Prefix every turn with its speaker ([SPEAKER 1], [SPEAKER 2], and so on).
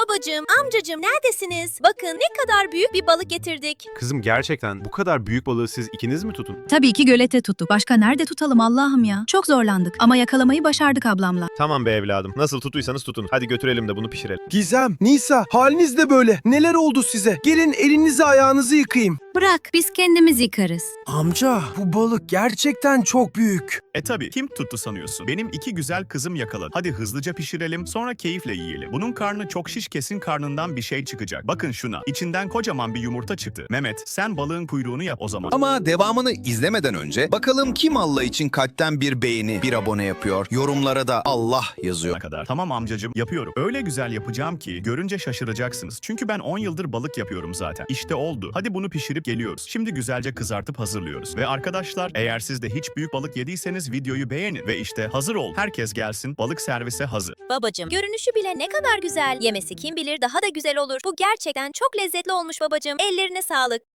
[SPEAKER 1] Babacığım, amcacığım neredesiniz? Bakın ne kadar büyük bir balık getirdik.
[SPEAKER 2] Kızım gerçekten bu kadar büyük balığı siz ikiniz mi tutun?
[SPEAKER 3] Tabii ki gölete tuttuk. Başka nerede tutalım Allah'ım ya? Çok zorlandık ama yakalamayı başardık ablamla.
[SPEAKER 2] Tamam be evladım. Nasıl tutuysanız tutun. Hadi götürelim de bunu pişirelim.
[SPEAKER 4] Gizem, Nisa, haliniz de böyle. Neler oldu size? Gelin elinizi ayağınızı yıkayayım.
[SPEAKER 3] Bırak biz kendimiz yıkarız.
[SPEAKER 4] Amca, bu balık gerçekten çok büyük.
[SPEAKER 5] Tabii kim tuttu sanıyorsun? Benim iki güzel kızım yakaladı. Hadi hızlıca pişirelim sonra keyifle yiyelim. Bunun karnı çok şiş, kesin karnından bir şey çıkacak. Bakın şuna. İçinden kocaman bir yumurta çıktı. Mehmet sen balığın kuyruğunu yap o zaman.
[SPEAKER 6] Ama devamını izlemeden önce bakalım kim Allah için kalpten bir beğeni, bir abone yapıyor. Yorumlara da Allah yazıyor.
[SPEAKER 5] Ne kadar. Tamam amcacığım yapıyorum. Öyle güzel yapacağım ki görünce şaşıracaksınız. Çünkü ben 10 yıldır balık yapıyorum zaten. İşte oldu. Hadi bunu pişirip geliyoruz. Şimdi güzelce kızartıp hazırlıyoruz. Ve arkadaşlar eğer siz de hiç büyük balık yediyseniz videoyu beğenin. Ve işte hazır ol. Herkes gelsin. Balık servise hazır.
[SPEAKER 1] Babacığım, görünüşü bile ne kadar güzel. Yemesi kim bilir daha da güzel olur. Bu gerçekten çok lezzetli olmuş babacığım. Ellerine sağlık.